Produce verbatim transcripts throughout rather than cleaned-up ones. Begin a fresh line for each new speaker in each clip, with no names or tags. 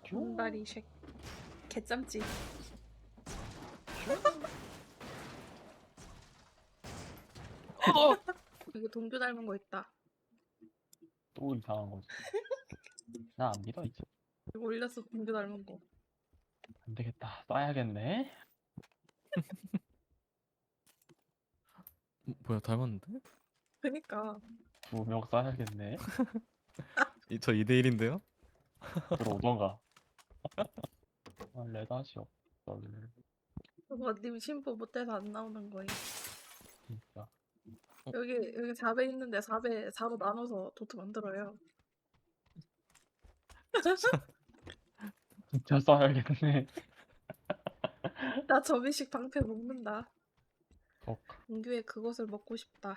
분갈이 쉑 개짬찌.
어!
여기 동규 닮은 거 있다.
또 이상한 거지. 나 안 믿어 이제.
이거 올렸어, 동규 닮은 거.
안 되겠다. 써야겠네.
뭐야 닮았는데?
그니까
두 명 써야겠네.
이, 저 이 대 일인데요?
들어오던가. 아, 레다시 없어.
그거 님 심포 못해서 안 나오는 거임.
진짜.
여기 여기 사 배 있는데 사 배 사로 나눠서 도트 만들어요.
진짜 써야겠네.
나 점이식 방패 먹는다.
어,
동규의 그것을 먹고 싶다.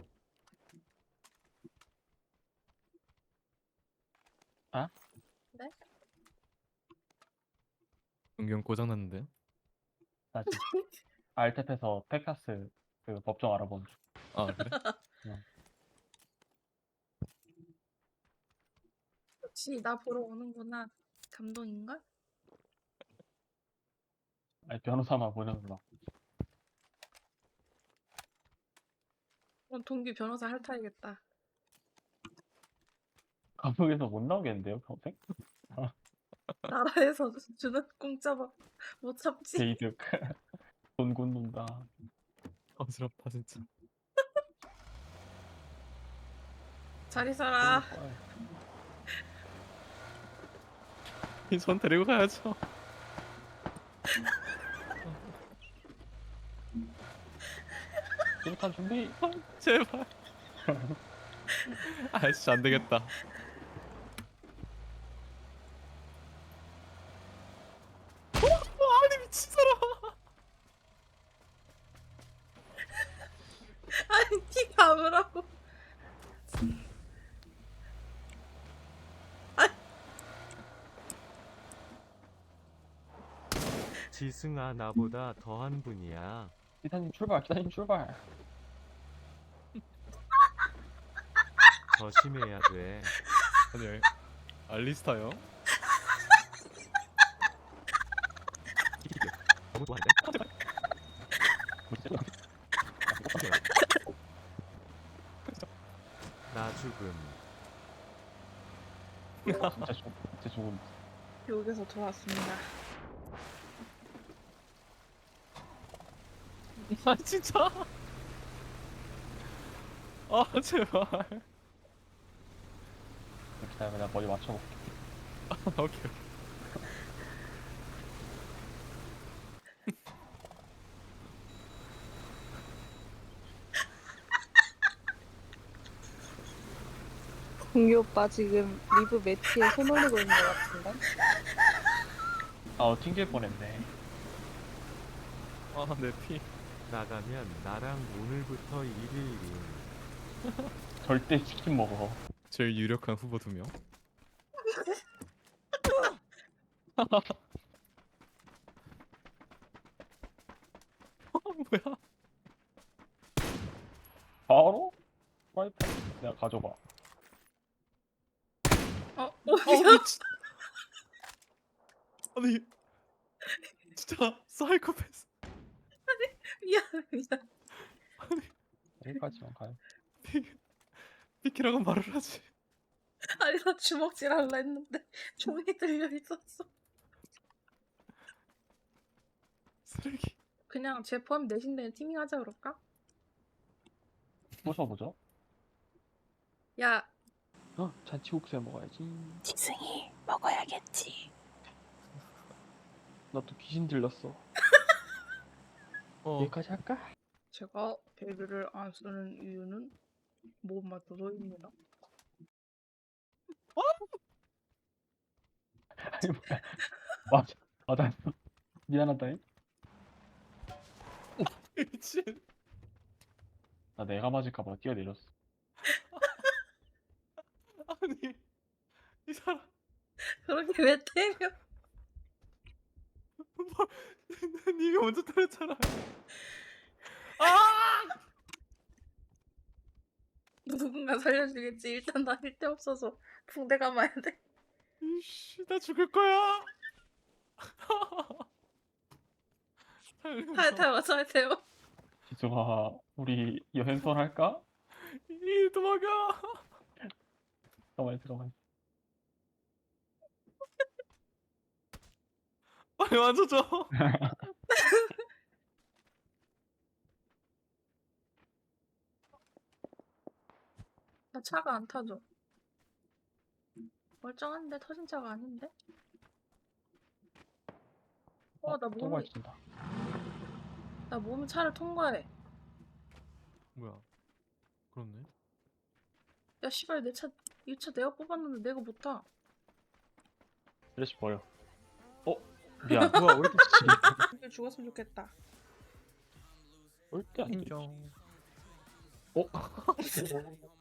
아?
네?
은경 고장났는데요?
나 지금 알탭에서 텍사스 그 법정 알아본 중.
아 그래?
역시 나 보러 오는구나. 감동인걸?
아니 변호사만 보내는 거.
그럼 동규 변호사 핥아야겠다.
감옥에서 못 나오겠는데요 평생?
나라에서 주는 공짜 밥 못 참지.
게이득. 돈 굽는다.
어지럽다 진짜.
잘 있어라.
전 데리고 가야죠.
일단 준비.
제발. 아 진짜 안 되겠다. 아니 미친 사람.
아니 티 감으라고.
지승아 나보다 더한 분이야.
기사님 출발. 기사님 출발.
조심해야 돼.
아니 알리스타요?
너무 좋아한데? 나 죽음.
진짜 죽. 진짜 죽음.
여기서 돌아왔습니다.
아 진짜. 아 제발.
기다려 내가 머리 맞춰볼게.
아, 오케이.
동규 오빠 지금 리브 매트에 손 올리고 있는 것 같은데?
아 튕길 뻔했네.
아내 피.
나가면 나랑 오늘부터 일일인.
절대 치킨 먹어.
제일 유력한 후보 두 명. 뭐야?
바로? 프라이팬 내가 가져가.
어,
어
어디야?
미친. 아니 진짜 사이코패스.
미안, 미안.
여기까지만 가요.
피 피키라고 말을 하지.
아니 나 주먹질 할라 했는데 종이 들려 있었어.
쓰레기.
그냥 제 포함 내신데 팀이 하자 그럴까?
부숴보죠.
야,
어, 잔치국수 해 먹어야지.
지승이 먹어야겠지.
나 또 귀신 들렸어.
어.
여기까지 할까?
제가 배그를 안 쓰는 이유는 못 맞춰서입니다.
아니 뭐야. 맞아. 맞았어. 미안하다잉.
미친.
나 내가 맞을까봐 뛰어내렸어.
아니 이 사람
그렇게 왜 때려?
뭐 네가 먼저 때렸잖아. 아!
누군가 살려주겠지. 일단 나 힐 데 없어서 붕대 감아야 돼.
이씨, 나 죽을 거야.
타요 타요 타요 타요.
지수가 우리 여행선 할까?
이 도망가.
잠깐만 잠깐만.
빨리 만져줘.
나 차가 안 타죠. 멀쩡한데 터진 차가 아닌데? 어, 나
또
몸이
걸친다.
나 몸이 차를 통과해.
뭐야? 그렇네.
야 씨발 내 차 이 차 내가 뽑았는데 내가 못 타.
쓰레쉬 버려. 어? 미안.
뭐야? 왜 이렇게
이게 죽었으면 좋겠다.
올때 아니지.
인정.
어?